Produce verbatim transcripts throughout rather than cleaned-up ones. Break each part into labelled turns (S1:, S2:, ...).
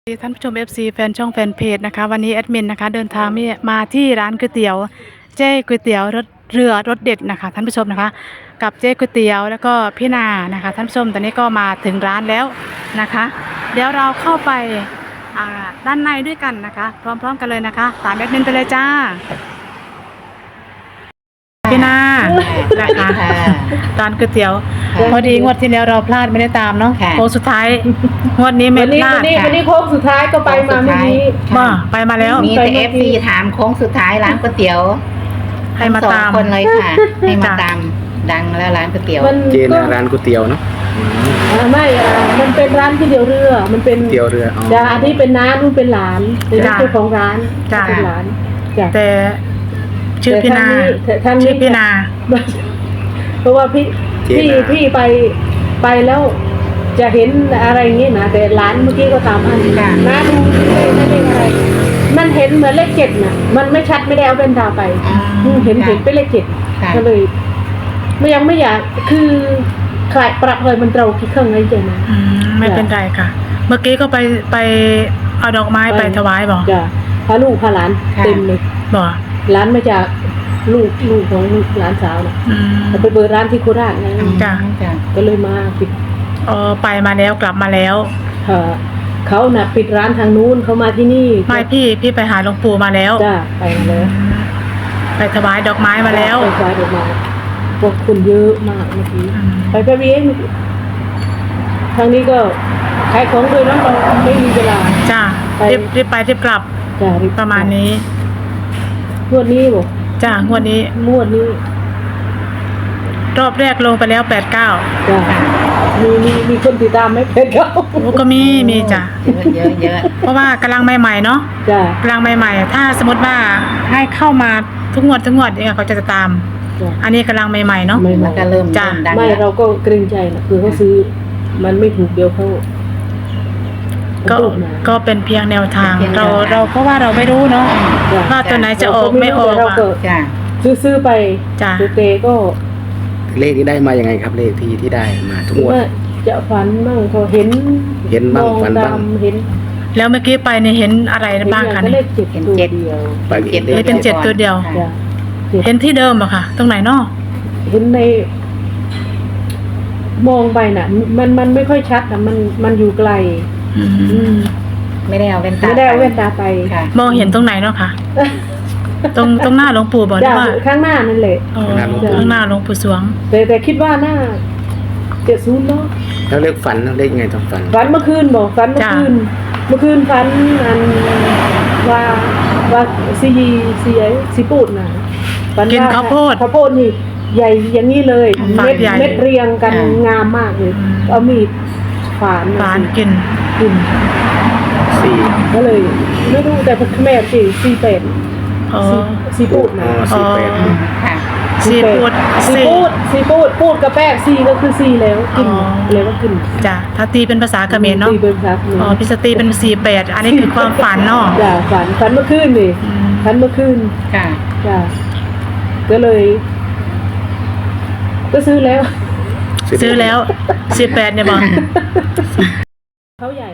S1: ท่านผู้ชม เอฟ ซี แฟนช่องแฟนเพจนะคะวันนี้แอดมินนะคะเดินทางมาที่ร้านก๋วยเตี๋ยวเจ๊ก๋วยเตี๋ยวรสเรือรสเด็ดนะคะท่านผู้ชมนะคะกับเจ๊ก๋วยเตี๋ยวแล้วก็พี่นานะคะท่านผู้ชมตอนนี้ก็มาถึงร้านแล้วนะคะเดี๋ยวเราเข้าไปด้านในด้วยกันนะคะพร้อมๆกันเลยนะคะตามแอดมินไปเลยจ้าพี่นานะคะร้านก๋วยเตี๋ยวพอดีงวดที่แล้วเราพลาดไม่ได้ตามเนาะโค้งสุดท้ายงวดนี้ไม่พลาด
S2: วันนี้วันนี้โค้งสุดท้ายก็ไปมาเมื่อกี้
S1: มาไปมาแล้ว
S3: มีแต่เอฟซีถามโค้งสุดท้ายร้านก๋วยเตี๋ยว
S1: ให้มาตาม
S3: คนเลยค่ะให้มาตามดังแล้วร้านก๋วยเตี๋ยว
S4: เจนร้านก๋วยเตี๋ยวเนาะ
S2: ไม่มันเป็นร้านก๋วยเตี๋ยวเรือมันเป็น
S4: ก๋วยเตี๋ยวเรือ
S2: จ้าอันนี้เป็นน้านู่นเป็นหลานเป็นเจ้าของร้านเป็นหลานจ้า
S1: แต่ชื่อพี่นาชื่อพี่นา
S2: เพราะว่าพี่พี่พี่ไปไปแล้วจะเห็นอะไรอย่างงี้นะแต่ร้านเมื่อกี้ก็ตามอันน้าดูไม่ได้อะไรมันเห็นเหมือนเลขเจ็ดน่ะมันไม่ชัดไม่ได้เอาเป็นดาวไปเห็นเห็นเป็นเลขเจ็ดก็เลยไม่ยังไม่อยากคือขายปรับเลยมันเราคิดเครื่องไงเจนะ
S1: ไม่เป็นไรค่ะเมื่อกี้ก็ไปไปเอาดอกไม้ไปถวายบอก
S2: จ้ะพาลูกพาหลานเต็มเลย
S1: บอก
S2: ร้านมาจากลูกลูกของหลานสาวน่ะแต่ไปเปิดร้านที่โคราชไง
S1: จ้ะ
S2: ก็เลยมาปิด
S1: อ๋อไปมาแล้วกลับมาแล้ว
S2: เขาน่ะปิดร้านทางนู้นเขามาที่นี่
S1: ไม่พี่พี่ไปหาหลวงปู่มาแล้ว
S2: จ้ะไปมาแล้ว
S1: ไปถวายดอกไม้มาแล้ว
S2: ไปถวายดอกไม้พวกคนเยอะมากเมื่อกี้ไปไปเวียนทางนี้ก็ขายของเลยแล้วเราไม่มีเวลา
S1: จ้ะรีบรีบไปรีบกลับ
S2: จ้ะ
S1: ประมาณนี้
S2: งวดนี้บอก
S1: จ้ะงวดนี้
S2: งวดนี้
S1: รอบแรกลงไปแล้วแปดเก้า
S2: จ้ะมีมีมีคนติดตามไหมแปดเก้า
S1: โอ้ก็มีมีจ้ะ
S3: เยอะเยอะ
S1: เพราะว่ากำลังใหม่ๆเนาะ
S2: จ้ะ
S1: กำลังใหม่ๆถ้าสมมติว่าให้เข้ามาทุกงวดทุกงวดเนี่ยเขาจะตามอันนี้กำลังใหม่ๆเนาะ
S3: มันก็เริ่ม
S1: จ้ะ
S2: ไม่เราก็เกรงใจนะคือเขาซื้อมันไม่ถูกเดียวเขา
S1: ก็ก็เป็นเพียงแนวทางเราเราเพราะว่าเราไม่รู้เนาะว่าตัวไหนจะออกไม่ออก
S2: จ้ะซื้อซื้อไป
S1: จ้ะ
S2: เตะก็
S4: เลขที่ได้มายังไงครับเลขที่ที่ได้มาทุกงวด
S2: จะฝันบ้างเขาเห็น
S4: เห็นบ้างฝันบ้าง
S2: เห็น
S1: แล้วเมื่อกี้ไปเนี่ยเห็นอะไรบ้างคะเนี่ย
S2: เห็นเจ็ดเดียว
S1: เป็นเจ็ดตัวเดียวเห็นที่เดิมอะค่ะตรงไหนเนาะ
S2: เห็นในมองไปน่ะมันมันไม่ค่อยชัดนะมันมันอยู่ไกล
S3: ไม่ได้เอาแว่นตา
S2: ไม่ได้เอาแว่นตาไป
S1: มองเห็นตรงไหนเนาะค่ะตรงตรงหน้าหลวงปู่บอกว่า
S2: ข้างหน้านั่นแหละ
S1: ข้างหน้าหลวงปู่สวง
S2: แต่แต่คิดว่าหน้าเจ็ดศูนย์เนาะ
S4: แล้วเลขฝันเลขไงต้องฝัน
S2: ฝันเมื่อคืนบอกฝันเมื่อคืนเมื่อคืนฝันอันว่าว่าซีซีไอซีปูดน่ะ
S1: ฝันว่าข้าวโพด
S2: ข้าวโพดนี่ใหญ่อย่างนี้เลยเม็ดเม็ดเรียงกันงามมากเลยเอามีดฝาน
S1: ฝานกิน
S2: กิน
S4: สี่
S2: ก็เลยไม่รู้แต่พ่อแม่สี่สี่เป็ดซีปูดนะ
S4: สี่เป็ด
S1: ซีปูด
S2: ซีปูดซีปูดปูดกับแป้งซีก็คือซีแล้วกินเลยว่ากิน
S1: จ้ะถ้าตีเป็นภาษาเขมรเนาะ
S2: ตีเป็นภาษาเขมร
S1: อ๋อพิสตีเป็นสี่เป็ดอันนี้คือความฝันเนาะ
S2: จ้ะฝันฝันเมื่อคืนนี่ฝันเมื่อคืน
S3: ค่ะ
S2: จ้ะก็เลยก็ซื้อแล้ว
S1: ซื้อแล้วสี่แปดเนี่ยบอก
S2: เขาใหญ่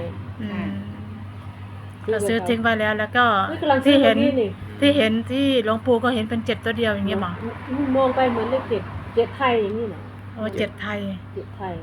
S1: เราซื้อทิ้งไว้แล้วแล้วก็ที่เห็นที่เห็นที่หลวงปู่ก็เห็นเป็นเจ็ดตัวเดียวอย่างเงี้ยหรอ
S2: มองไปเหมือนเลขเจ็ดเจ็ดไทยอย่างนี้นะ
S1: โอ้เจ็ดไทย
S2: เจ็ดไทย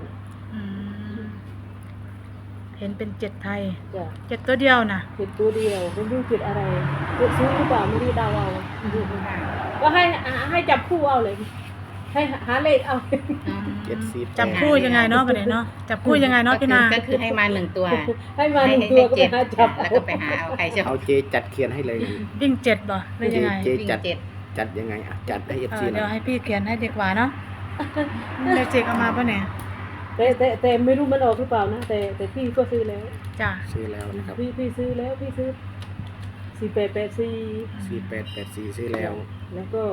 S1: เห็นเป็นเจ็ดไทยเจ็ดตัวเดียวนะ
S2: เจ็ดตัวเดียวไม่รู้เจ็ดอะไรเจ็ดซื้อหรือเปล่าไม่รู้ดาวเอาก็ให้ให้จับคู่เอาเลยให้หาเลขเอา
S1: จับคู่ยังไงเนาะไปไหนเนาะจับคู่ยังไงเนาะพี่นา
S3: ก็คือให้มาหนึ่งตัว
S2: ให้มาหนึ่งตัวก็ไปหาจับ
S3: แล้วก็ไปหาเอาใครจะ
S4: เอาเจจัดเขียนให้เลย
S1: วิ่งเจ็ดบ่หรือยังไง
S4: เจจัดจัดยังไงอ่ะจัดให้เอฟซี
S1: เดี๋ยวให้พี่เขียนให้ดีกว่าเนาะเดี๋ยวเจกเอามาป่ะเนี่ย
S2: แต่แต่แต่ไม่รู้มันออกหรือเปล่านะแต่แต่พี่ก็ซื้อแล้ว
S1: จ้ะ
S4: ซื้อแล้วนะครับ
S2: พี่พี่ซื้อแล้วพี่ซื้อสี่แปดแปดสี่
S4: สี่แปดแปดสี่ซื้อแล้ว
S2: แล้วก็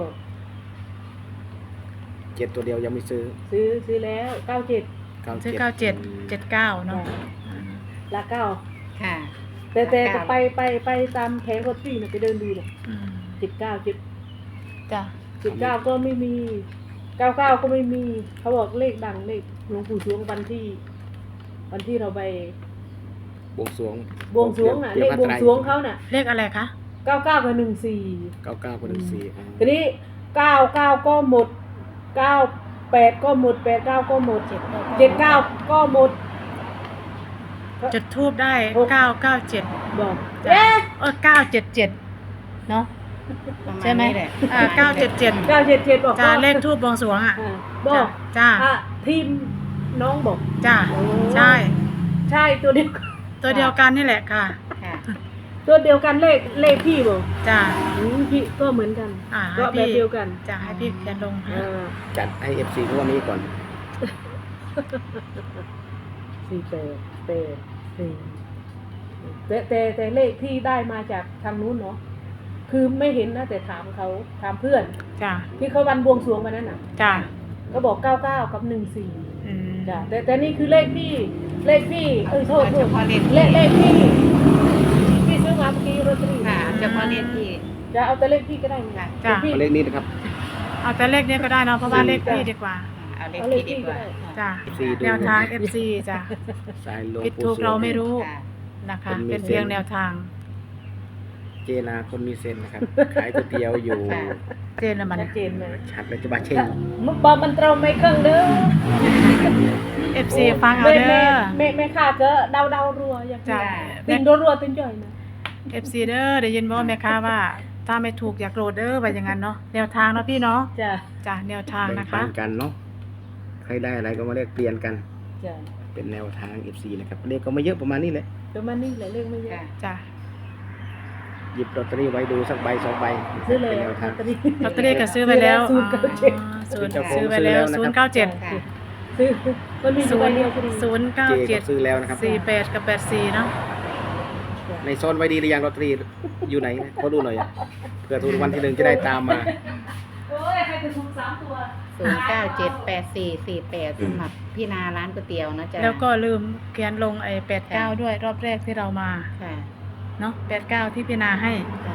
S4: เจ็ดตัวเดียวยังไม่ซื้อ
S2: ซื้อซื้อแล้วเก้าเจ็ด
S1: ซื้อเก้าเจ็ดเจ็ดเก้าเนาะ
S2: ละเก้า
S3: ค่ะ
S2: แต่แต่ไปไปไปตามแผงรถที่นะไปเดินดูเนี่ยเจ็ดเก้าเจ็ด
S1: จ้ะ
S2: เจ็ดเก้าก็ไม่มีเก้าเก้าก็ไม่มีเขาบอกเลขดังเลขหลวงปู่สวงวันที่วันที่เราไป
S4: บวงสรวง
S2: บวงสรวงน่ะเลขบวงสรวงเขาน่ะ
S1: เลขอะไรคะ
S2: เก้าเก้ากับหนึ่งสี่
S4: เก้าเก้าคนหนึ่งสี่อ่า
S2: ทีนี้เก้าเก้าก็หมดเก้าแปดก็หมดแปดเก้าก็หมดเจ็ดเก้าก็หมด
S1: จุดทูบได้เก้าเก้าเจ็ด
S2: บอก
S1: จ้ะ
S2: เอ๊ะ
S1: เออเก้าเจ็ดเจ็ดเนาะ
S3: ประาณ
S1: ใช่ไหม
S3: นี้แหละ
S1: อ่าเก้าเจ็ดเจ็ด
S2: เก้าเจ็ดเจ็ดบอก
S1: จ้าเลขทูบบวงสรวงอ่ะ
S2: อ่าบอก
S1: จ้า
S2: อ่ะทีมน้องบอก
S1: จ้า
S2: โอ้
S1: ใช่
S2: ใช่ตัวเดียวกัน
S1: ตัวเดียวกันนี่แหละค่ะ
S3: ค่ะ
S2: ตัวเดียวกันเลขเลขพี่บอก
S1: จ้า
S2: อืมพี่ก็เหมือนกัน
S1: อ่า
S2: ก็
S1: ให้
S2: แบบ
S1: พี่
S2: เดียวกัน
S1: จะให้พี่เขียนลงให้
S2: อ่า
S4: จัดให้เอฟซีงวดนี้ก่อน
S2: สี่แปดแปดสี่แต่แต่แต่เลขที่ได้มาจากทางนู้นเนาะคือไม่เห็นนะแต่ถามเขาถามเพื่อน
S1: จ้า
S2: ที่เขาวันบวงสรวงวันนั้นน่ะ
S1: จ้า
S2: ก็บอกเก้าเก้ากับหนึ่งสี่
S1: อืม
S2: จ้ะแต่แต่นี่คือเลขพี่เลขพี่เอ้ยโทษโท
S3: เฉ
S2: ษ
S3: พาะเลข
S2: เลขเลขพี่พี่ซื้อมาเมื่อกี้โรตารี่
S3: ค่ะเฉพาะเลขที่
S2: จะเอาแต่เลขพี่ก็ได้ไง
S1: จ้า
S2: พี่
S4: เอาเลขนี้นะครับ
S1: เอาแต่เลขนี้ก็ได้เนาะเพราะว่าเลขพี่ดีกว่า
S3: เอาเลข
S2: เอาเล
S3: ที่
S2: ข
S3: ดีกว่า
S2: ที่ก็ได้
S1: จ้า
S4: เอฟซีดู
S1: แนวทาง เอฟ ซี จ้า
S4: สายลง
S1: ผิด
S4: ปู
S1: ถูก
S4: สวง
S1: เราไม่รู้
S3: ค่ะ
S1: นะคะ
S4: เป็นมี
S1: เป็นเพียง
S4: เซนส์
S1: แนวทาง
S4: เจนาคนมีเซนนะครับ ขายก๋วยเตี๋ยวอยู่
S3: ค่ะ
S1: เจนละมัน
S2: ชัดเจนไหม
S4: ชัดเลยจะบาเช่ง
S2: มันบอกมันตรงไม่เครื่องเด้อ
S1: เอฟซีฟังเอา
S2: แม่
S1: เด้
S2: แม่
S1: อ
S2: แม่แม่ข้าก็เดาเดารัวอย่าง
S1: จ้ะ
S2: ติงรัวรัวติงจ่อยนะ
S1: เอฟซีเด้อได้ยินบ่แม่ค้าว่า ถ้าไม่ถูกอย่าโกรธเด้อว่าอย่างนั้นเนาะแนวทางเนาะพี่เนาะ
S2: จ้ะ
S1: จ้ะแนวทาง
S4: แบ่ง
S1: นะ
S4: ปั
S1: คะ
S4: นกันเนาะใครได้อะไรก็มาเลขเปลี่ยนกัน
S2: จ้ะ
S4: เป็นแนวทาง เอฟ ซี นะครับเลขก็ไม่เยอะประมาณนี้แหละ
S2: ประมาณนี้แหละเลขไม่เยอะ
S3: ค่ะ
S1: จ้ะ
S4: หยิบลอตเตอรี่ไว้ดูสักใบสองใบ
S2: ซื้อเลย
S4: เป็นแนว
S2: ล
S4: ทา
S2: อง ตเตอรี่
S1: ลอตเตอรี่ก็ซื้อไปแล้ว
S2: ศูนย์เก้าเจ็ด
S1: ศูนย์
S4: เจ้าของ
S1: ซื้อไปแล้ว
S4: ซื้
S1: ศู
S4: อแล้วนะครับ
S1: นย์เก้าเจ็ด
S3: ค่ะ
S2: ซื้อมันมี
S1: ศู
S2: ใบ
S1: นย์
S2: เดียวพอดี
S1: ศูนย์เก้า
S4: เจ
S1: เจ็
S4: ก็
S1: ด
S4: ซื้อแล้วนะครับ
S1: สี่แปดกับแปดสี่เนาะ
S4: ในโซนไว้ดีหรือยังลอตเตอรี่อยู่ไหนขอดูหน่อยอะเผื่อถูกรางวัลที่หนึ่งจะได้ตามมา
S2: โอ้ยใครจะถูกสามตัว
S3: ศูนย์เก้าเจ็ดแปดสี่สี่แปดสำหรับพี่นาร้านก๋วยเตี๋ยวนะจ๊ะ
S1: แล้วก็ลืมเขียนลงไอ้แปดเก้าด้วยรอบแรกที่เรามา
S3: ค่ะ
S1: เนาะแปดเก้าที่พี่นาให้
S3: ค่ะ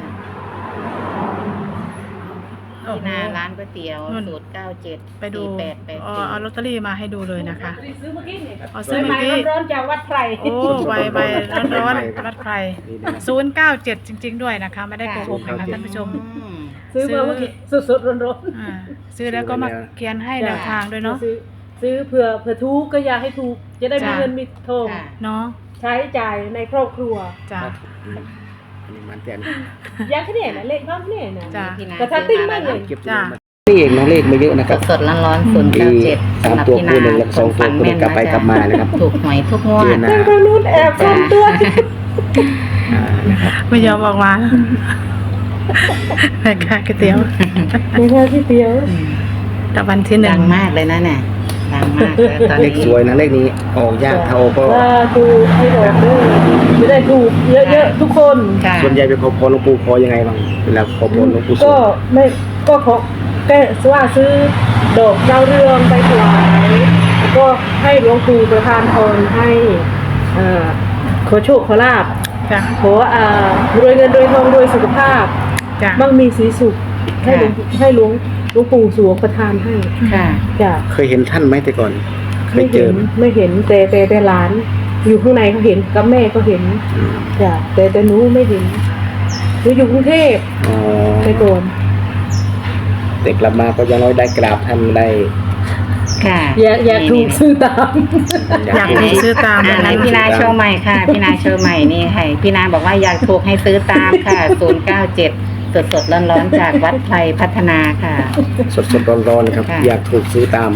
S1: โอ้
S3: พี่
S1: โห
S3: นาร้านก๋วยเตี๋ยว
S1: นู่น
S3: ศูนย์เก้าเจ็ด
S1: ไปดู
S3: สี่แปดแปด
S1: เอา
S3: สี่
S1: เอาลอตเตอรี่มาให้ดูเลยนะคะ
S2: ซื้อเมื่อกี้นี่
S1: เอาซื้อเมื่อกี้
S2: ร้อนๆจากวัดไพร
S1: โอ้ใบใบร้อนๆวัดไพร
S4: นี่นะ
S1: ศูนย์เก้าเจ็ดจริง ๆ ด้วยนะคะ ไม่ได้โกหกนะคะท่านผู้ชม
S3: อืม
S2: ซื้อมาเมื่อกี้สดๆร้อนๆ
S1: อ่าซื้อแล้วก็มาเขียนให้แนวทางด้วยเนาะ
S2: ซื้อซื้อเผื่อเผื่อถูกก็อยากให้ถูก จะได้มี
S1: จ้ะ
S2: เงินมีทอง
S3: ค่ะ
S1: เนาะ
S2: ใช้จ่ายในครอบครัว
S1: จ้ะ
S4: อืมอันนี้มันแต่น
S2: อยากแค่นี้นะเลขบ้างแค่นี้นะ
S1: จ้ะ
S3: พี่นา
S2: แต่ถ้าติ้งไม่เลย
S4: เก็บ
S1: จ้ะ
S4: นี่เองน้องเลขไม่เยอะนะครับ
S3: สดๆร้อนๆศูนย์เก้าเจ็ด
S4: สาม
S3: สำหรับ
S4: ตัว
S3: พี่
S4: คู่
S3: นา
S4: หนึ่งแล้วก็สองตัวคู่หนึ่งกลับไปกลับมานะครับ
S3: ถูกหวยทุกงว
S4: เจ
S3: ด
S4: นา
S2: ทางทางนู้นแอบซ่อนตัว
S4: อ่านะครับ
S1: ไม่ยอมออกมาแม่ค้าก๋วยเตี๋ยว
S2: ไม่ใช่ที่เดียว
S1: ตะวันที่หนึ่
S3: ดั
S1: ง
S3: งมากเลยนะเนี่ยดังมากเลยตอน
S4: เล
S3: นี้
S4: ขสวยนะเลขนี้ออกยากเท่าก็
S2: ว่าถูกให้บอกเด้อจะได้ถูกเยอะๆทุกคน
S3: ค่ะ
S4: ส่วนใหญ่ไปขอพรหลวงปู่ขอยังไงบ้างเวลาขอพรหลวงปู่สว
S2: ก็
S4: ง
S2: ไม่ก็ขอแค่ว่าซื้อดอกดาวเรืองไปถวายแล้วก็ให้หลวงปู่ประทานพรให้อ่าขอโชคขอลาบ
S1: จ้ะ
S2: ขออ่ารวยเงินรวยทองรวยสุขภาพ
S1: จ้ะ
S2: มั่งมีสีสุขให้หลวงให้หลวงหลวงปู่สวงประทานให้
S3: ค่ะ
S2: จ้ะ
S4: เคยเห็นท่านไหมแต่ก่อน เค
S2: ไม่
S4: ยเจ
S2: เห็
S4: อน
S2: ไม่เห็นแต่แต่แต่หลาน อยู่ข้างในเขาเห็นกับแม่ก็เห็น
S4: อืม
S2: จ้ะแต่แต่หนูไม่เห็นหนูอยู่กรุงเทพ
S4: อ๋อ
S2: ไปก่อน
S4: แต่กลับมาก็อยังน้อยได้กราบท่านได้
S3: ค่ะ
S2: อย่าอย่าถูกซื้อตาม
S1: อยากถูกซื้อตาม
S3: อ่าไหนพี่นาโชว์ใหม่ค่ะ พี่นาโชว์ใหม่นี่ให้พี่นาบอกว่าอยากถูกให้ซื้อตามค่ะศูนย์เก้าเจ็ดสดสดร้อนร้อนๆจากวัดไพรพัฒนาค่ะ
S4: สดสดร้อนร้อนๆนะครับ
S3: ค่ะ
S4: อยากถูกซื้อตาม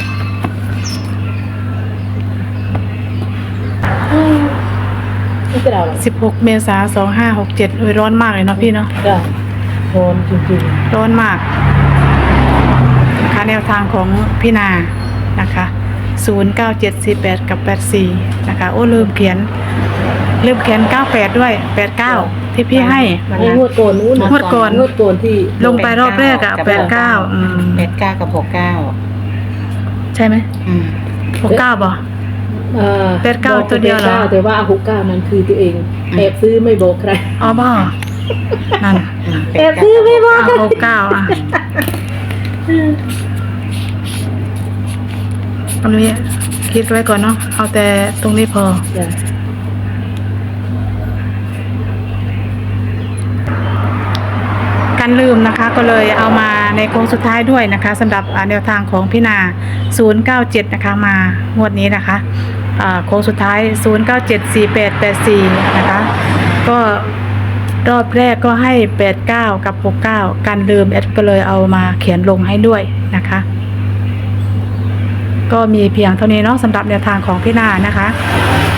S2: ไม่เป็นไรหรอก
S1: สิบหกเมษาสองห้าหกเจ็ดร้อนมากเลยเนาะพี่เนาะ
S2: จ้ะโอนจริง
S1: ร้อนมากนะคะแนวทางของพี่นานะคะศูนย์เก้าเจ็ดสี่แปดกับแปดสี่นะคะโอ้ลืมเขียนลืมเขียนเก้าแปดด้วยแปดเก้าที่พี่ให้
S2: ๆไอ้งวดก่อนนู้นน่ะ
S1: งวดก่อน
S2: งวดก่อนที่
S1: ลงไปรอบแรกอะแปดเก้าอืม
S3: แปดเก้ากับหกเก้า
S1: ใช่ไหม
S3: อืม
S1: หกเก้าบ่
S2: เอ่อ
S1: แปดเก้า
S2: บอก
S1: ตัวเดียวเหรอ
S2: แปก้าแต่ว่าหกเก้านั้นคือตัวเองแอบซื้อไม่บอกใคร
S1: อ๋อบ่นั่น
S2: แอบซื้อไม่บอก
S1: อ่ะหกเก้าอ่ะตรงนี้คิดไว้ก่อนเนาะเอาแต่ตรงนี้พอ
S2: จ้ะ
S1: นะคะก็เลยเอามาในโค้งสุดท้ายด้วยนะคะสำหรับอ่าแนวทางของพี่นาศูนย์เก้าเจ็ดนะคะมางวดนี้นะคะอ่าโค้งสุดท้ายศูนย์เก้าเจ็ด สี่แปดแปดสี่นะคะก็รอบแรกก็ให้แปดเก้ากับหกเก้ากันลืมแอดก็เลยเอามาเขียนลงให้ด้วยนะคะก็มีเพียงเท่านี้เนาะสำหรับแนวทางของพี่นานะคะ